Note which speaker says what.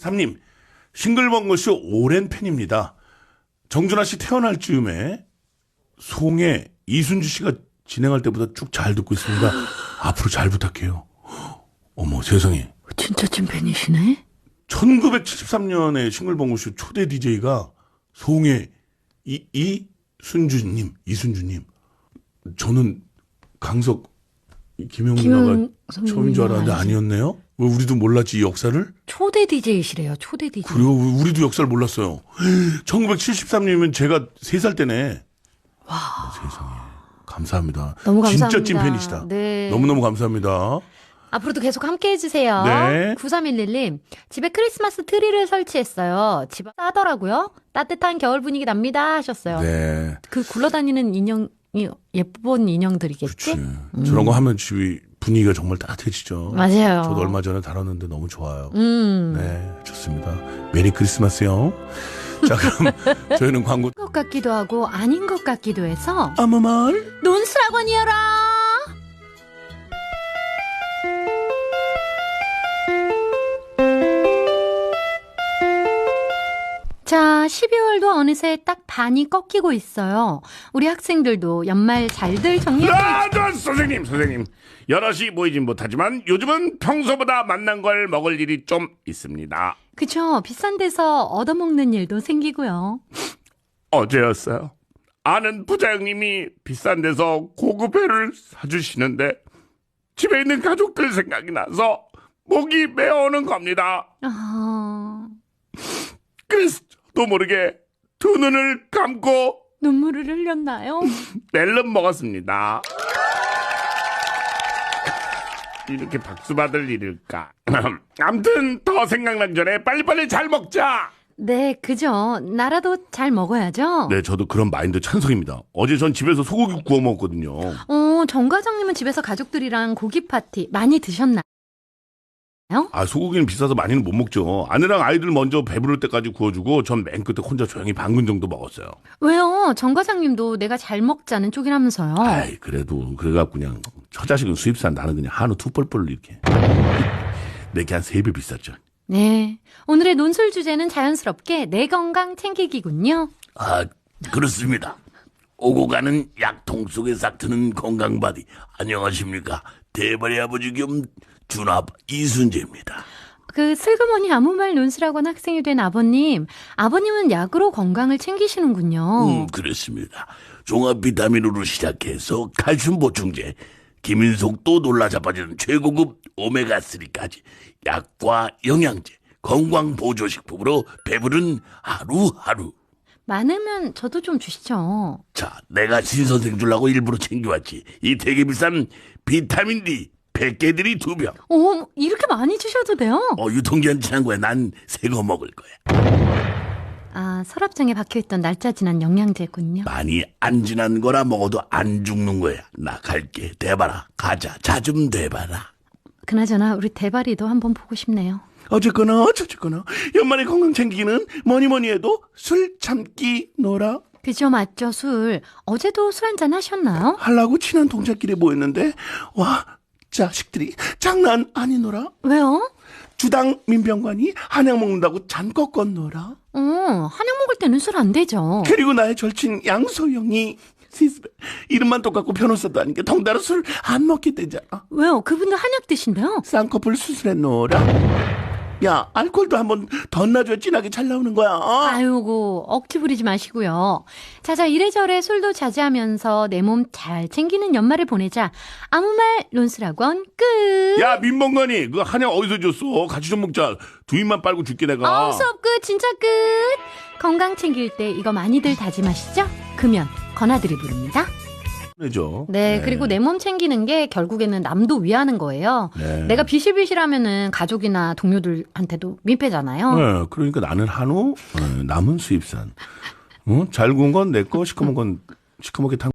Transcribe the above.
Speaker 1: 3님, 싱글벙글쇼 오랜 팬입니다. 정준하 씨 태어날 즈음에 송혜, 이순주 씨가 진행할 때보다 쭉 잘 듣고 있습니다. 앞으로 잘 부탁해요. 어머 세상에.
Speaker 2: 진짜 찐팬이시네.
Speaker 1: 1973년에 싱글벙글쇼 초대 DJ가 송혜, 이순주님. 저는 강석, 김영 누나가 처음인 줄 알았는데 아니었네요. 왜 우리도 몰랐지 이 역사를?
Speaker 2: 초대 DJ시래요. 초대 DJ.
Speaker 1: 그래요? 우리도 역사를 몰랐어요. 1973년이면 제가 3살 때네.
Speaker 2: 와.
Speaker 1: 세상에. 감사합니다.
Speaker 2: 너무 감사합니다.
Speaker 1: 진짜 찐팬이시다.
Speaker 2: 네.
Speaker 1: 너무너무 감사합니다.
Speaker 2: 앞으로도 계속 함께 해주세요.
Speaker 1: 네.
Speaker 2: 9311님, 집에 크리스마스 트리를 설치했어요. 집 싸더라고요. 따뜻한 겨울 분위기 납니다 하셨어요.
Speaker 1: 네.
Speaker 2: 그 굴러다니는 인형이 예쁜 인형들이겠지?
Speaker 1: 그치. 저런 거 하면 집이 분위기가 정말 따뜻해지죠.
Speaker 2: 맞아요.
Speaker 1: 저도 얼마 전에 다뤘는데 너무 좋아요. 네, 좋습니다. 메리 크리스마스요. 자, 그럼 저희는 광고.
Speaker 2: 것 같기도 하고 아닌 것 같기도 해서
Speaker 1: 아무 말.
Speaker 2: 논술학원이여라. 자, 12월도 어느새 딱 반이 꺾이고 있어요. 우리 학생들도 연말 잘들 정리하고
Speaker 1: 선생님. 여럿이 모이진 못하지만 요즘은 평소보다 만난 걸 먹을 일이 좀 있습니다.
Speaker 2: 그쵸. 비싼 데서 얻어먹는 일도 생기고요.
Speaker 1: 어제였어요. 아는 부장님이 비싼 데서 고급 회를 사주시는데 집에 있는 가족들 생각이 나서 목이 메어오는 겁니다. 그래서 또 모르게 두 눈을 감고
Speaker 2: 눈물을 흘렸나요?
Speaker 1: 멜론 먹었습니다. 이렇게 박수 받을 일일까? 아무튼 더 생각나기 전에 빨리빨리 잘 먹자.
Speaker 2: 네, 그죠. 나라도 잘 먹어야죠.
Speaker 1: 네, 저도 그런 마인드 찬성입니다. 어제 전 집에서 소고기 구워 먹었거든요.
Speaker 2: 정 과장님은 집에서 가족들이랑 고기 파티 많이 드셨나요?
Speaker 1: 아, 소고기는 비싸서 많이는 못 먹죠. 아내랑 아이들 먼저 배부를 때까지 구워주고 전 맨 끝에 혼자 조용히 반근 정도 먹었어요.
Speaker 2: 왜요? 정 과장님도 내가 잘 먹자는 쪽이라면서요.
Speaker 1: 아이, 그래도 그래갖고 그냥 처자식은 수입산, 나는 그냥 한우 투벌벌 이렇게. 내게 한 3배 비쌌죠.
Speaker 2: 네. 오늘의 논술 주제는 자연스럽게 내 건강 챙기기군요.
Speaker 1: 아, 그렇습니다. 오고 가는 약통 속에 싹 트는 건강바디. 안녕하십니까. 대발의 아버지 겸 준아빠 이순재입니다.
Speaker 2: 그 슬그머니 아무 말 논술학원 학생이 된 아버님은 약으로 건강을 챙기시는군요.
Speaker 1: 그렇습니다. 종합 비타민으로 시작해서 칼슘 보충제, 김인속도 놀라 자빠지는 최고급 오메가3까지 약과 영양제, 건강 보조식품으로 배부른 하루하루.
Speaker 2: 많으면 저도 좀 주시죠.
Speaker 1: 자, 내가 신선생 주려고 일부러 챙겨왔지. 이 되게 비싼 비타민 D 100개들이 2병.
Speaker 2: 오, 이렇게 많이 주셔도 돼요?
Speaker 1: 유통기한 지난 거야. 난 새 거 먹을 거야.
Speaker 2: 아, 서랍장에 박혀있던 날짜 지난 영양제군요.
Speaker 1: 많이 안 지난 거라 먹어도 안 죽는 거야. 나 갈게. 대봐라. 가자. 자 좀 대봐라.
Speaker 2: 그나저나 우리 대바리도 한번 보고 싶네요.
Speaker 1: 어쨌거나 연말에 건강 챙기기는 뭐니 해도 술 참기 놀아.
Speaker 2: 그죠, 맞죠, 술. 어제도 술 한잔 하셨나요?
Speaker 1: 하려고 친한 동자끼리 모였는데 와, 자식들이 장난 아니노라.
Speaker 2: 왜요?
Speaker 1: 주당 민병관이 한약 먹는다고 잔 꺾었노라.
Speaker 2: 한약 먹을 때는 술 안 되죠.
Speaker 1: 그리고 나의 절친 양소영이 이름만 똑같고 변호사도 아닌 게 덩달아 술 안 먹게 되잖아.
Speaker 2: 왜요? 그분도 한약 드신대요?
Speaker 1: 쌍꺼풀 수술했노라. 야, 알코올도 한번 덧나줘야 진하게 잘 나오는 거야.
Speaker 2: 아이고, 억지 부리지 마시고요. 자, 이래저래 술도 자제하면서 내 몸 잘 챙기는 연말을 보내자. 아무 말 논술학원 끝.
Speaker 1: 야, 민병관이 그 한약 어디서 줬어? 같이 좀 먹자. 두 입만 빨고 줄게 내가.
Speaker 2: 수업 끝, 진짜 끝. 건강 챙길 때 이거 많이들 다짐하시죠? 금연, 건아들이 부릅니다. 네, 그리고 내 몸 챙기는 게 결국에는 남도 위하는 거예요.
Speaker 1: 네.
Speaker 2: 내가 비실비실하면은 가족이나 동료들한테도 민폐잖아요.
Speaker 1: 네, 그러니까 나는 한우, 남은 수입산. 잘 구운 건 내 거, 시커먼 건 시커멓게 탄